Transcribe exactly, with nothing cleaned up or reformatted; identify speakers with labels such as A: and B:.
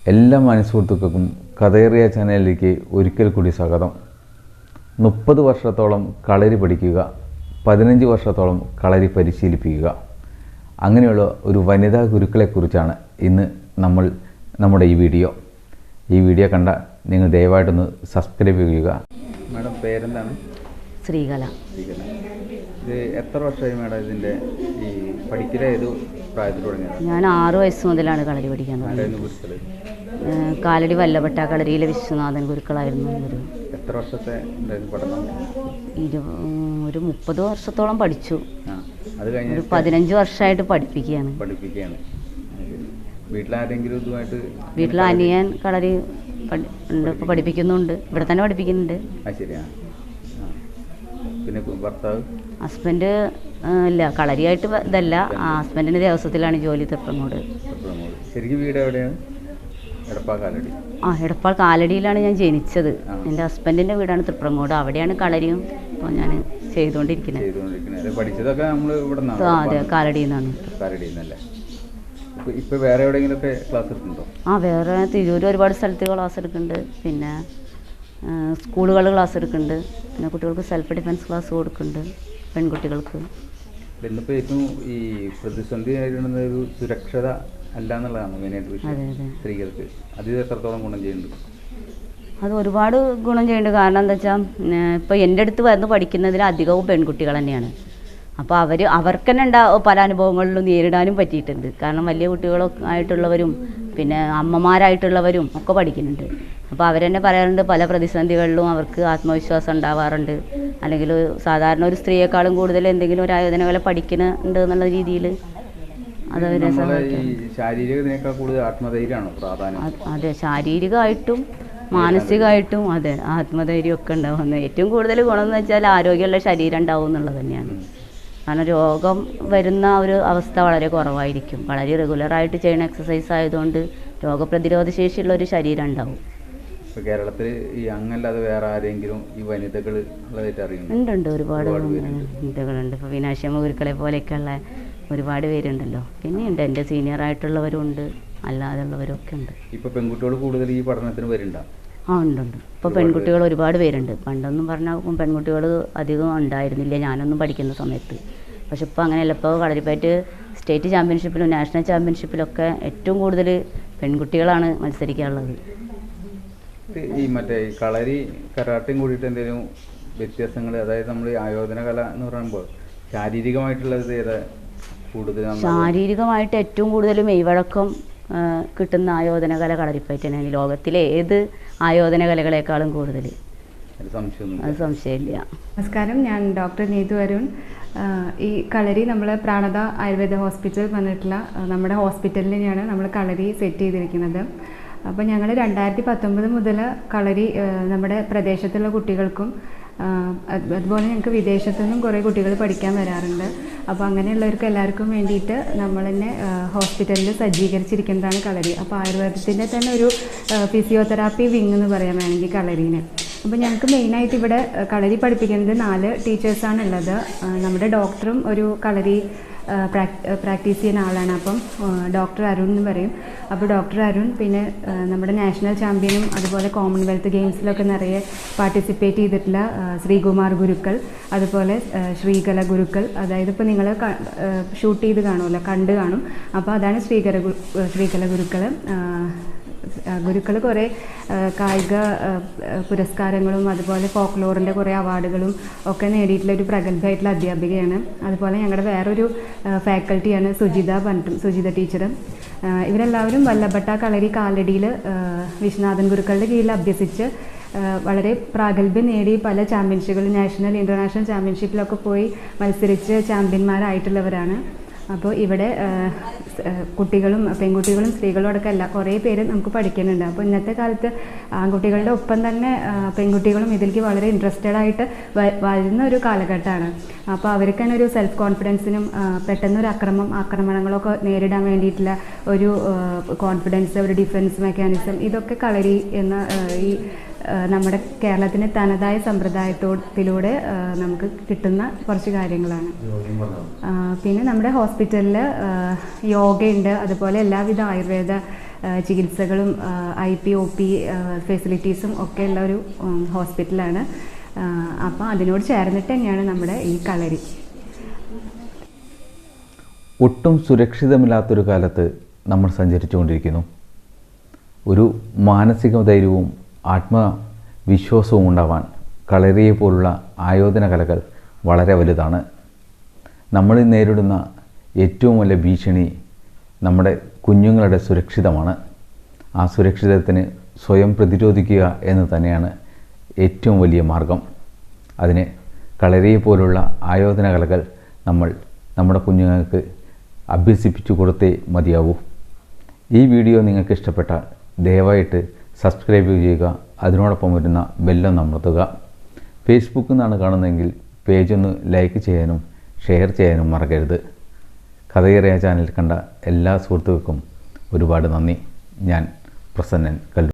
A: എല്ലാ മനസ്സുഹൃത്തുക്കൾക്കും കഥേറിയ ചാനലിലേക്ക് ഒരിക്കൽ കൂടി സ്വാഗതം. മുപ്പത് വർഷത്തോളം കളരി പഠിക്കുക, പതിനഞ്ച് വർഷത്തോളം കളരി പരിശീലിപ്പിക്കുക, അങ്ങനെയുള്ള ഒരു വനിതാ ഗുരുക്കളെക്കുറിച്ചാണ് ഇന്ന് നമ്മൾ നമ്മുടെ ഈ വീഡിയോ ഈ വീഡിയോ കണ്ട നിങ്ങൾ ദയവായിട്ടൊന്ന് സബ്സ്ക്രൈബ് ചെയ്യുക. മാഡം പേരെന്താണ്?
B: ശ്രീകല.
A: ശ്രീകല. ഇത് എത്ര വർഷമായി മാഡം ഇതിൻ്റെ ഈ പഠിക്കൽ ഏത് പ്രായത്തിൽ തുടങ്ങിയത്?
B: ഞാൻ ആറു വയസ്സ് മുതലാണ് കളരി പഠിക്കാൻ തുടങ്ങിയത്. കാലടി വല്ലഭട്ട കളരിയിലെ വിശ്വനാഥൻ ഗുരുക്കളായിരുന്നു ഒരു.
A: എത്ര വർഷത്തെ പഠനം?
B: ഇരു ഒരു മുപ്പത് വർഷത്തോളം പഠിച്ചു.
A: അത് കഴിഞ്ഞ്
B: ഒരു പതിനഞ്ച് വർഷമായിട്ട് പഠിപ്പിക്കുകയാണ്
A: പഠിപ്പിക്കുകയാണ് വീട്ടിലാരെങ്കിലും ഇതുമായിട്ട്?
B: വീട്ടിൽ അനിയൻ കളരി ഉണ്ട്, ഇപ്പോൾ പഠിപ്പിക്കുന്നുണ്ട്, ഇവിടെ തന്നെ പഠിപ്പിക്കുന്നുണ്ട്.
A: ആ ശരിയാ. പിന്നെ ഭർത്താവ്?
B: ഹസ്ബൻഡ് ഇല്ല, കളരിയായിട്ട് ഇതല്ല, ഹസ്ബൻഡിൻ്റെ ദേവസ്വത്തിലാണ് ജോലി. തൃപ്രങ്ങോട്.
A: ശരിക്കും വീട് എവിടെയാണ്? എടപ്പാൾ കാലടി.
B: ആ എടപ്പാൾ കാലടിയിലാണ് ഞാൻ ജനിച്ചത്. എൻ്റെ ഹസ്ബൻഡിൻ്റെ വീടാണ് തൃപ്രങ്ങോട്. അവിടെയാണ് കളരിയും ഇപ്പോൾ ഞാൻ ചെയ്തുകൊണ്ടിരിക്കുന്നത്.
A: പഠിച്ചതൊക്കെ നമ്മൾ ഇവിടെ?
B: അതെ, കാലടിയിൽ നിന്നാണ്.
A: കാലടിയിൽ നിന്നല്ലേ? ഇപ്പോൾ വേറെ എവിടെയെങ്കിലുമൊക്കെ ക്ലാസ് എടുക്കുന്നുണ്ടോ?
B: ആ വേറെ തിരൂർ ഒരുപാട് സ്ഥലത്ത് ക്ലാസ് എടുക്കുന്നുണ്ട്. പിന്നെ സ്കൂളുകളിൽ ക്ലാസ് എടുക്കുന്നുണ്ട്. പിന്നെ കുട്ടികൾക്ക് സെൽഫ് ഡിഫെൻസ് ക്ലാസ് കൊടുക്കുന്നുണ്ട്, പെൺകുട്ടികൾക്ക്.
A: ഇന്നിപ്പോൾ ഏറ്റവും ഈ പ്രതിസന്ധി നേരിടുന്ന ഒരു സുരക്ഷത അല്ല എന്നുള്ളതാണ് മെയിനായിട്ട് വിഷയം സ്ത്രീകൾക്ക്. അത് എത്രത്തോളം ഗുണം ചെയ്യുന്നുണ്ട്?
B: അത് ഒരുപാട് ഗുണം ചെയ്യുന്നുണ്ട്. കാരണം എന്താ വെച്ചാൽ ഇപ്പോൾ എൻ്റെ അടുത്ത് വന്ന് പഠിക്കുന്നതിൽ അധികവും പെൺകുട്ടികൾ തന്നെയാണ്. അപ്പോൾ അവർ അവർക്ക് തന്നെ ഉണ്ടാവും പല അനുഭവങ്ങളിലും നേരിടാനും പറ്റിയിട്ടുണ്ട്. കാരണം വലിയ കുട്ടികളൊക്കെ ആയിട്ടുള്ളവരും പിന്നെ അമ്മമാരായിട്ടുള്ളവരും ഒക്കെ പഠിക്കുന്നുണ്ട്. അപ്പോൾ അവരെന്നെ പറയാറുണ്ട്, പല പ്രതിസന്ധികളിലും അവർക്ക് ആത്മവിശ്വാസം ഉണ്ടാവാറുണ്ട്. അല്ലെങ്കിൽ സാധാരണ ഒരു സ്ത്രീയെക്കാളും കൂടുതൽ എന്തെങ്കിലും ഒരു ആയോധന കല പഠിക്കുന്നുണ്ട് എന്നുള്ള രീതിയിൽ അതവരെ
A: ശാരീരികത്തിനേക്കാൾ കൂടുതൽ ആത്മധൈര്യമാണോ പ്രാധാന്യം?
B: അതെ, ശാരീരികമായിട്ടും മാനസികമായിട്ടും അതെ ആത്മധൈര്യം ഒക്കെ ഉണ്ടാവുന്നത്. ഏറ്റവും കൂടുതൽ ഗുണം എന്ന് വെച്ചാൽ ആരോഗ്യമുള്ള ശരീരം ഉണ്ടാവും എന്നുള്ളത് തന്നെയാണ്. കാരണം രോഗം വരുന്ന ഒരു അവസ്ഥ വളരെ കുറവായിരിക്കും. വളരെ റെഗുലറായിട്ട് ചെയ്യുന്ന എക്സസൈസ് ആയതുകൊണ്ട് രോഗപ്രതിരോധ ശേഷിയുള്ള ഒരു ശരീരം ഉണ്ടാവും.
A: കേരളത്തിൽ ഈ അങ്ങല്ലാതെ വേറെ ആരെങ്കിലും ഈ വനിതകൾ അറിയുന്നു?
B: ഉണ്ട് ഉണ്ട് ഒരുപാട് വനിതകളുണ്ട്. ഇപ്പോൾ വിനാശമ്മ ഗുരുക്കളെ പോലെയൊക്കെയുള്ള ഒരുപാട് പേരുണ്ടല്ലോ. പിന്നെയുണ്ട് എൻ്റെ സീനിയർ ആയിട്ടുള്ളവരും ഉണ്ട്, അല്ലാതെ ഉള്ളവരും ഒക്കെ ഉണ്ട്.
A: ഇപ്പോൾ പെൺകുട്ടികൾ കൂടുതൽ ഈ പഠനത്തിന് വരുന്നുണ്ടോ?
B: ആ ഉണ്ടുണ്ട്. ഇപ്പോൾ പെൺകുട്ടികൾ ഒരുപാട് പേരുണ്ട്. പണ്ടൊന്നും പറഞ്ഞാൽ പെൺകുട്ടികൾ അധികം ഉണ്ടായിരുന്നില്ല ഞാനൊന്നും പഠിക്കുന്ന സമയത്ത്. പക്ഷെ ഇപ്പോൾ അങ്ങനെയല്ല. ഇപ്പോൾ കളരിപ്പയറ്റ് സ്റ്റേറ്റ് ചാമ്പ്യൻഷിപ്പിലും നാഷണൽ ചാമ്പ്യൻഷിപ്പിലൊക്കെ ഏറ്റവും കൂടുതൽ പെൺകുട്ടികളാണ് മത്സരിക്കാനുള്ളത്.
A: ഈ മറ്റേ കളരി കരാട്ടയും കൂടിയിട്ട് എന്തെങ്കിലും വ്യത്യാസങ്ങൾ? അതായത് നമ്മൾ ആയോധന കല എന്ന് പറയുമ്പോൾ ശാരീരികമായിട്ടുള്ളത് ഏതാ കൂടുതൽ?
B: ശാരീരികമായിട്ട് ഏറ്റവും കൂടുതൽ മെയ്വഴക്കം കിട്ടുന്ന ആയോധന കല കളരിപ്പയറ്റ് തന്നെയാണ്. ലോകത്തിലെ ഏത് ആയോധന കലകളെക്കാളും കൂടുതൽ. അത് സംശയമില്ല.
C: നമസ്കാരം, ഞാൻ ഡോക്ടർ നീതു അരുൺ. ഈ കളരി നമ്മൾ പ്രാണത ആയുർവേദ ഹോസ്പിറ്റൽ വന്നിട്ടുള്ള നമ്മുടെ ഹോസ്പിറ്റലിൽ തന്നെയാണ് നമ്മൾ കളരി സെറ്റ് ചെയ്തിരിക്കുന്നത്. അപ്പോൾ ഞങ്ങൾ രണ്ടായിരത്തി പത്തൊമ്പത് മുതൽ കളരി നമ്മുടെ പ്രദേശത്തുള്ള കുട്ടികൾക്കും അതുപോലെ ഞങ്ങൾക്ക് വിദേശത്തു നിന്നും കുറേ കുട്ടികൾ പഠിക്കാൻ വരാറുണ്ട്. അപ്പോൾ അങ്ങനെയുള്ളവർക്ക് എല്ലാവർക്കും വേണ്ടിയിട്ട് നമ്മൾ തന്നെ ഹോസ്പിറ്റലിൽ സജ്ജീകരിച്ചിരിക്കുന്നതാണ് കളരി. അപ്പോൾ ആയുർവേദത്തിൻ്റെ തന്നെ ഒരു ഫിസിയോതെറാപ്പി വിങ് എന്ന് പറയാൻ വേണമെങ്കിൽ കളരീനെ. അപ്പോൾ ഞങ്ങൾക്ക് മെയിനായിട്ട് ഇവിടെ കളരി പഠിപ്പിക്കുന്നത് നാല് ടീച്ചേഴ്സാണ് ഉള്ളത്. നമ്മുടെ ഡോക്ടറും ഒരു കളരി പ്രാക്ടീസ് ചെയ്യുന്ന ആളാണ്. അപ്പം ഡോക്ടർ അരുൺ എന്ന് പറയും. അപ്പോൾ ഡോക്ടർ അരുൺ പിന്നെ നമ്മുടെ നാഷണൽ ചാമ്പ്യനും അതുപോലെ കോമൺവെൽത്ത് ഗെയിംസിലൊക്കെ നിറയെ പാർട്ടിസിപ്പേറ്റ് ചെയ്തിട്ടുള്ള ശ്രീകുമാർ ഗുരുക്കൾ, അതുപോലെ ശ്രീകല ഗുരുക്കൾ. അതായത് ഇപ്പോൾ നിങ്ങൾ ഷൂട്ട് ചെയ്ത് കാണുമല്ലോ, കണ്ട് കാണും. അപ്പോൾ അതാണ് ശ്രീകല ശ്രീകല ഗുരുക്കൾ. ഗുരുക്കൾ കുറേ കായിക പുരസ്കാരങ്ങളും അതുപോലെ ഫോക്ലോറിൻ്റെ കുറേ അവാർഡുകളും ഒക്കെ നേടിയിട്ടുള്ള ഒരു പ്രഗത്ഭയായിട്ടുള്ള അധ്യാപികയാണ്. അതുപോലെ ഞങ്ങളുടെ വേറൊരു ഫാക്കൽറ്റിയാണ് സുജിത പറഞ്ഞിട്ടും സുജിത ടീച്ചർ. ഇവരെല്ലാവരും വല്ലഭട്ട കളരി കാലടിയിൽ വിശ്വനാഥൻ ഗുരുക്കളുടെ കീഴിൽ അഭ്യസിച്ച് വളരെ പ്രാഗൽഭ്യം നേടി പല ചാമ്പ്യൻഷിപ്പുകൾ നാഷണൽ ഇൻ്റർനാഷണൽ ചാമ്പ്യൻഷിപ്പിലൊക്കെ പോയി മത്സരിച്ച് ചാമ്പ്യന്മാരായിട്ടുള്ളവരാണ്. അപ്പോൾ ഇവിടെ കുട്ടികളും പെൺകുട്ടികളും സ്ത്രീകളും അടക്കം എല്ലാ കുറേ പേര് നമുക്ക് പഠിക്കുന്നുണ്ട്. അപ്പോൾ ഇന്നത്തെ കാലത്ത് ആൺകുട്ടികളുടെ ഒപ്പം തന്നെ പെൺകുട്ടികളും ഇതിലേക്ക് വളരെ ഇൻട്രസ്റ്റഡ് ആയിട്ട് വരുന്ന ഒരു കാലഘട്ടമാണ്. അപ്പോൾ അവർക്ക് തന്നെ ഒരു സെൽഫ് കോൺഫിഡൻസിനും പെട്ടെന്നൊരു അക്രമം ആക്രമണങ്ങളൊക്കെ നേരിടാൻ വേണ്ടിയിട്ടുള്ള ഒരു കോൺഫിഡൻസ്, ഒരു ഡിഫൻസ് മെക്കാനിസം, ഇതൊക്കെ കളരി എന്ന ഈ നമ്മുടെ കേരളത്തിൻ്റെ തനതായ സമ്പ്രദായത്തിലൂടെ നമുക്ക് കിട്ടുന്ന കുറച്ച് കാര്യങ്ങളാണ്. പിന്നെ നമ്മുടെ ഹോസ്പിറ്റലിൽ യോഗയുണ്ട്, അതുപോലെ എല്ലാവിധ ആയുർവേദ ചികിത്സകളും ഐ പി ഒ പി ഫെസിലിറ്റീസും ഒക്കെ ഉള്ള ഒരു ഹോസ്പിറ്റലാണ്. അപ്പോൾ അതിനോട് ചേർന്നിട്ട് തന്നെയാണ് നമ്മുടെ ഈ കളരി.
A: ഒട്ടും സുരക്ഷിതമില്ലാത്തൊരു കാലത്ത് നമ്മൾ സഞ്ചരിച്ചുകൊണ്ടിരിക്കുന്നു. ഒരു മാനസിക ധൈര്യവും ആത്മവിശ്വാസവും ഉണ്ടാവാൻ കളരിയെ പോലുള്ള ആയോധന കലകൾ വളരെ വലുതാണ്. നമ്മൾ നേരിടുന്ന ഏറ്റവും വലിയ ഭീഷണി നമ്മുടെ കുഞ്ഞുങ്ങളുടെ സുരക്ഷിതമാണ്. ആ സുരക്ഷിതത്തിന് സ്വയം പ്രതിരോധിക്കുക എന്ന് തന്നെയാണ് ഏറ്റവും വലിയ മാർഗം. അതിന് കളരിയെ പോലുള്ള ആയോധന കലകൾ നമ്മൾ നമ്മുടെ കുഞ്ഞുങ്ങൾക്ക് അഭ്യസിപ്പിച്ചു കൊടുത്തേ മതിയാവൂ. ഈ വീഡിയോ നിങ്ങൾക്ക് ഇഷ്ടപ്പെട്ടാൽ ദയവായിട്ട് സബ്സ്ക്രൈബ് ചെയ്യുക, അതിനോടൊപ്പം വരുന്ന ബെല്ലൊന്ന് അമർത്തുക. ഫേസ്ബുക്കിൽ നിന്നാണ് കാണുന്നതെങ്കിൽ പേജൊന്ന് ലൈക്ക് ചെയ്യാനും ഷെയർ ചെയ്യാനും മറക്കരുത്. കഥയേറിയ ചാനൽ കണ്ട എല്ലാ സുഹൃത്തുക്കൾക്കും ഒരുപാട് നന്ദി. ഞാൻ പ്രസന്നൻ കല്ലൂർ.